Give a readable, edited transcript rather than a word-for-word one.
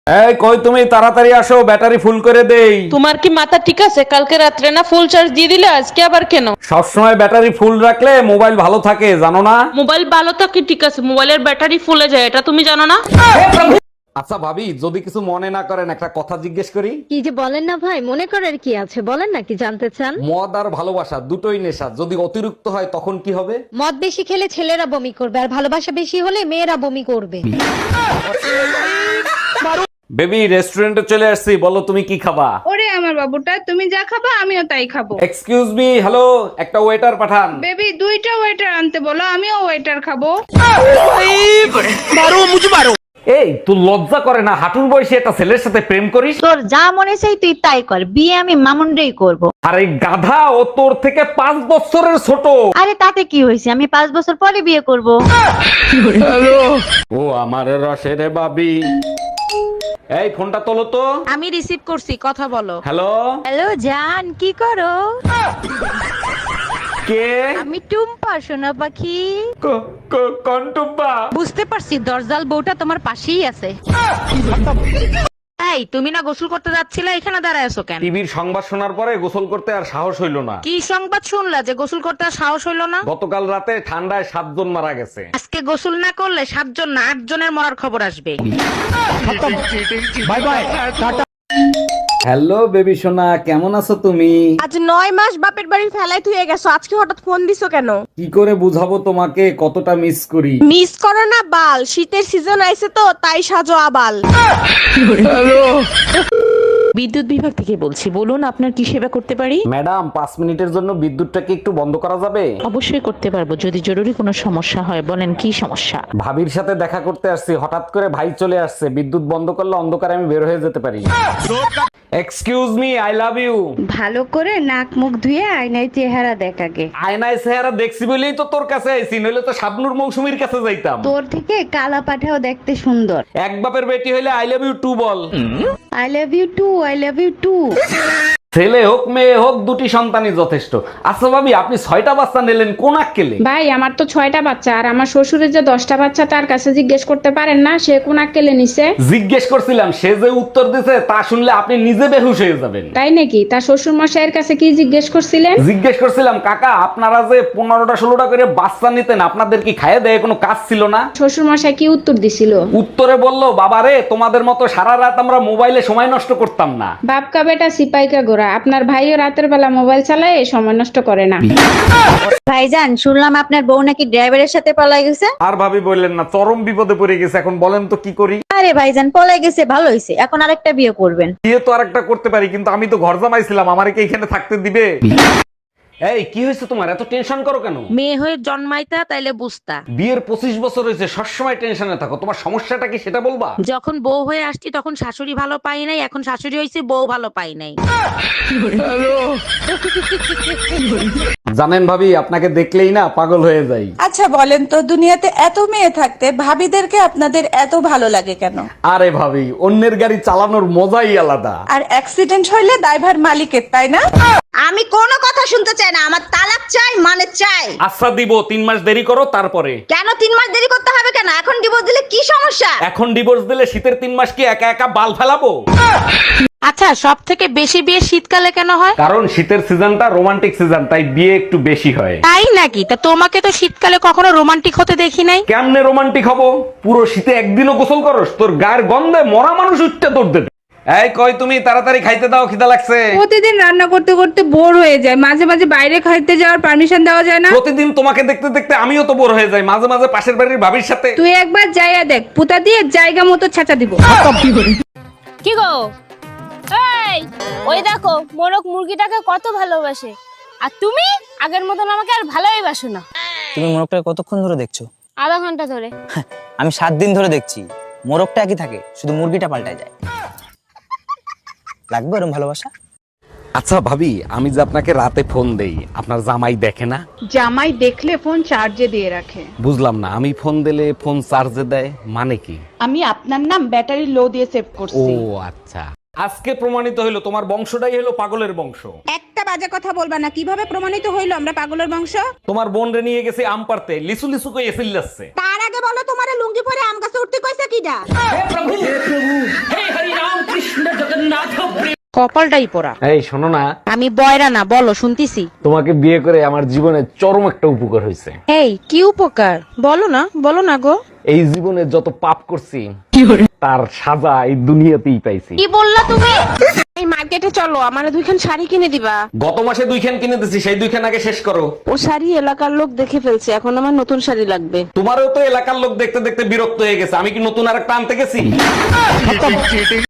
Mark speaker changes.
Speaker 1: এই কই তুমি, তাড়াতাড়ি আসো, ব্যাটারি ফুল করে দেই।
Speaker 2: তোমার কি মাথা ঠিক আছে? কালকে রাত্রে না ফুল চার্জ দিয়ে দিলে, আজকে আবার কেন?
Speaker 1: সবসময় ব্যাটারি ফুল রাখলে মোবাইল ভালো থাকে, জানো না?
Speaker 2: মোবাইল ভালো থাকে ঠিক আছে, মোবাইলের ব্যাটারি ফুলে যায়, এটা তুমি জানো না?
Speaker 1: আচ্ছা ভাবি, যদি কিছু মনে না করেন একটা কথা জিজ্ঞেস করি।
Speaker 3: কি যে বলেন না ভাই, মনে করার কি আছে, বলেন না কি জানতে চান।
Speaker 1: মদ আর ভালোবাসা দুটোই নেশা, যদি অতিরিক্ত হয় তখন কি হবে?
Speaker 3: মদ বেশি খেলে ছেলেরা বমি করবে, আর ভালোবাসা বেশি হলে মেয়েরা বমি করবে।
Speaker 1: বেবি, রেস্টুরেন্টে চলে আসছি, বলো তুমি কি খাবা?
Speaker 4: ওরে আমার বাবুটা, তুমি যা খাবা আমিও তাই খাবো।
Speaker 1: এক্সকিউজ মি, হ্যালো, একটা ওয়েটার পাঠান।
Speaker 4: বেবি, দুইটা ওয়েটার আনতে বলো, আমিও ওয়েটার খাবো।
Speaker 1: এই তুই লজ্জা করে না, হাঁটুর বয়সে একটা ছেলের সাথে প্রেম করিস?
Speaker 5: তোর যা মনে চাই তুই তাই কর, বিয়ে আমি মামুনরেই করব।
Speaker 1: আর এই গাধা, ও তোর থেকে 5 বছরের ছোট।
Speaker 5: আরে তাতে কি হয়েছে, আমি 5 বছর পরে বিয়ে করব।
Speaker 1: ও আমার রসের বাবি, এই ফোনটা তোলো তো।
Speaker 2: আমি রিসিভ করছি, কথা বলো।
Speaker 1: হ্যালো,
Speaker 5: হ্যালো জান, কি করো?
Speaker 1: কে?
Speaker 5: আমি টুম্পা, সোনা পাখি।
Speaker 1: কন্টুব্বা।
Speaker 5: বুঝতে পারছি, দরজাল বউটা তোমার পাশেই আছে। এই তুমি না গোসল করতে যাচ্ছিলে, এখানে দাঁড়ায় আছো কেন?
Speaker 1: টিভির সংবাদ শোনার পরে গোসল করতে আর সাহস হইল না।
Speaker 5: কি সংবাদ শুনলা যে গোসল করতে আর সাহস হইলো না?
Speaker 1: গতকাল রাতে ঠান্ডায় 7 জন মারা গেছে।
Speaker 5: আজকে গোসল না করলে 7 জন না 8 জনের মরার খবর আসবে।
Speaker 1: Bye bye, tata. Hello baby সোনা, কেমন আছো তুমি?
Speaker 6: আজ 9 মাস বাপের বাড়ি ফেলাই তুই গেছো, আজকে হঠাৎ ফোন দিছো কেন?
Speaker 1: কি করে বুঝাবো তোমাকে কতটা মিস করি?
Speaker 6: মিস করো না বাল, শীতের সিজন আইছে তো তাই সাজো আবাল।
Speaker 2: বিদ্যুৎ বিভাগ থেকে বলছি, বলুন আপনার কি সেবা করতে পারি?
Speaker 1: ম্যাডাম, 5 মিনিটের জন্য বিদ্যুৎটাকে একটু বন্ধ করা যাবে?
Speaker 2: অবশ্যই করতে পারবো, যদি জরুরি কোনো সমস্যা হয়। বলেন কি সমস্যা?
Speaker 1: ভাবির সাথে দেখা করতে আসছি, হঠাৎ করে ভাই চলে আসছে, বিদ্যুৎ বন্ধ করলে অন্ধকারে আমি বের হয়ে যেতে পারি। Excuse me, I love you.
Speaker 7: ভালো করে নাক মুখ ধুয়ে আয়নায় চেহারা দেখ আগে।
Speaker 1: আয়নায় চেহারা দেখছি বলেই তো তোর কাছে আইছি, নইলে তো শাবনুর মৌসুমীর কাছে যাইতাম।
Speaker 7: তোর থেকে কালা পাঠাও দেখতে সুন্দর।
Speaker 1: এক বাপের বেটি হইলে আই লাভ ইউ টু বল।
Speaker 7: I love you too, I love you too.
Speaker 1: ছেলে হোক মেয়ে হোক, দুটি সন্তানই যথেষ্ট। আচ্ছা ভাবি, আপনি 6টা বাচ্চা নিলেন, কোন আক্কেলে?
Speaker 8: ভাই, আমার তো 6টা বাচ্চা, আর আমার শ্বশুরের যে 10টা বাচ্চা, তার কাছে জিজ্ঞেস করতে পারেন না সে কোন আক্কেলে নিছে?
Speaker 1: জিজ্ঞেস করছিলাম, সে যে উত্তর দিছে তা শুনলে আপনি নিজে বেহুশ হয়ে যাবেন।
Speaker 8: তাই নাকি? তার শ্বশুর মশাইয়ের কাছে কি জিজ্ঞেস করছিলেন?
Speaker 1: জিজ্ঞেস করছিলাম, কাকা আপনারা যে 15টা 16টা করে বাচ্চা নিতেন, আপনাদের কি খাইয়ে দেয় কোনো কাজ ছিল না?
Speaker 8: শ্বশুর মশাই কি উত্তর দিছিল?
Speaker 1: উত্তরে বললো, বাবা রে, তোমাদের মতো সারা রাত আমরা মোবাইলে সময় নষ্ট করতাম না।
Speaker 8: বাপকা বেটা সিপাইকা গোরা, আপনার ভাইও রাতের বেলা মোবাইল চালায়, সময় নষ্ট করে না।
Speaker 5: ভাইজান, শুনলাম আপনার বউ নাকি ড্রাইভারের সাথে পলাই গেছে।
Speaker 1: আর ভাবি বললেন না, চরম বিপদে পড়ে গেছে, এখন বলেন তো কি করি?
Speaker 5: আরে ভাইজান, পলাই গেছে ভালো হয়েছে, এখন আরেকটা বিয়ে করবেন।
Speaker 1: বিয়ে তো আরেকটা করতে পারি, কিন্তু আমি তো ঘর জামাইছিলাম, আমারে কি এখানে থাকতে দিবে? এই কি হয়েছে তোমার, এত টেনশন করো কেন?
Speaker 5: মেয়ে হয়ে জন্মাইতা তাইলে বুঝতা।
Speaker 1: বিয়ের 25 বছর হয়েছে, সবসময় টেনশনে থাকো, তোমার সমস্যাটা কি সেটা বলবা?
Speaker 5: যখন বউ হয়ে আসছি তখন শাশুড়ি ভালো পাই নাই, এখন শাশুড়ি হয়েছে বউ ভালো পাই নাই।
Speaker 1: জানেন ভাবি, আপনাকে দেখলেই না পাগল হয়ে যাই।
Speaker 6: আচ্ছা বলেন তো, দুনিয়াতে এত মেয়ে থাকতে ভাবিদেরকে আপনাদের এত ভালো লাগে কেন?
Speaker 1: আরে ভাবি, অন্যের গাড়ি চালানোর মজাই আলাদা।
Speaker 6: আর অ্যাক্সিডেন্ট হইলে দায়ভার মালিকের, তাই না?
Speaker 5: আমি কোনো কথা শুনতে চাই না, আমার তালাক চাই, মানে চাই।
Speaker 1: আচ্ছা দিব, 3 মাস দেরি করো তারপরে।
Speaker 5: কেন 3 মাস দেরি করতে হবে কেন? এখন ডিভোর্স দিলে কি সমস্যা?
Speaker 1: এখন ডিভোর্স দিলে শীতের 3 মাস কি একা একা বাল ফেলাবো?
Speaker 2: আচ্ছা, সব থেকে বেশি বিয়ে শীতকালে কেন হয়?
Speaker 1: কারণ শীতের সিজনটা রোমান্টিক সিজন, তাই বিয়ে একটু বেশি হয়।
Speaker 2: তাই নাকি? তা তোমাকে তো শীতকালে কখনো রোমান্টিক হতে দেখি নাই।
Speaker 1: কেমনে রোমান্টিক হবো? পুরো শীতে একদিনও গোসল করস? তোর গায়ের গন্ধে মরা মানুষ উঠতে তোর দেবে। এই কই তুমি, তাড়াতাড়ি খাইতে দাও, খিদা লাগছে।
Speaker 4: প্রতিদিন রান্না করতে করতে বোর হয়ে যায়, মাঝে মাঝে বাইরে খাইতে যাওয়ার পারমিশন দেওয়া যায় না?
Speaker 1: প্রতিদিন তোমাকে দেখতে দেখতে আমিও তো বোর হয়ে যাই, মাঝে মাঝে পাশের বাড়ির ভাবির সাথে।
Speaker 4: তুই একবার যাইয়া দেখ, পুতা দিয়ে জায়গা মতো ছেঁচা দিব।
Speaker 9: কি গো, এই ওই দেখো মোরক মুরগিটাকে কত ভালোবাসে, আর তুমি আগের মতন আমাকে আর ভালোই বাসো না।
Speaker 10: তুমি মোরগটাকে কতক্ষণ ধরে দেখছো?
Speaker 9: আধা ঘন্টা ধরে।
Speaker 10: আমি 7 দিন ধরে দেখছি, মোরগটা একই থাকে, শুধু মুরগিটা পাল্টায় যায়। লাগবে এরকম ভালোবাসা?
Speaker 1: আচ্ছা ভাবি, আমি যে আপনাকে রাতে ফোন দেই, আপনার জামাই দেখে না?
Speaker 7: জামাই দেখলে ফোন চার্জে দিয়ে রাখে।
Speaker 1: বুঝলাম না, আমি ফোন দিলে ফোন চার্জে দেয় মানে কি?
Speaker 7: আমি আপনার নাম ব্যাটারি লো দিয়ে সেভ
Speaker 1: ও
Speaker 7: করছি।
Speaker 1: আচ্ছা। আজকে প্রমাণিত হইলো তোমার বংশটাই হলো পাগলের বংশ।
Speaker 6: একটা বাজে কথা বলবা না, কিভাবে প্রমাণিত হইলো আমরা পাগলের বংশ?
Speaker 1: তোমার বোন রে নিয়ে গেছে আম পারতে, লিসু লিসু কই এসিল যাচ্ছে।
Speaker 6: তার আগে বলো তোমারে লুঙ্গি পরে আম গাছে উঠতে কইছে কিডা?
Speaker 5: কপালটাই পড়া।
Speaker 1: এই শোনো না,
Speaker 5: আমি বয়রা না, বলো শুনতিছি।
Speaker 1: তোমাকে বিয়ে করে আমার জীবনে চরম একটা উপকার হয়েছে।
Speaker 5: এই কি উপকার? বলো না গো।
Speaker 1: এই জীবনে যত পাপ করছি তার সাজা এই দুনিয়াতেই পাইছি।
Speaker 2: কি বললা তুমি? এই মার্কেটে চলো, আমারে দুইখান শাড়ি কিনে দিবা।
Speaker 1: গত মাসে 2খান কিনে দিছি, সেই 2খান আগে শেষ করো।
Speaker 2: ও শাড়ি এলাকার লোক দেখে ফেলছে, এখন আমার নতুন শাড়ি লাগবে।
Speaker 1: তোমারও তো এলাকার লোক দেখতে দেখতে বিরক্ত হয়ে গেছে, আমি কি নতুন আর একটা আনতে গেছি?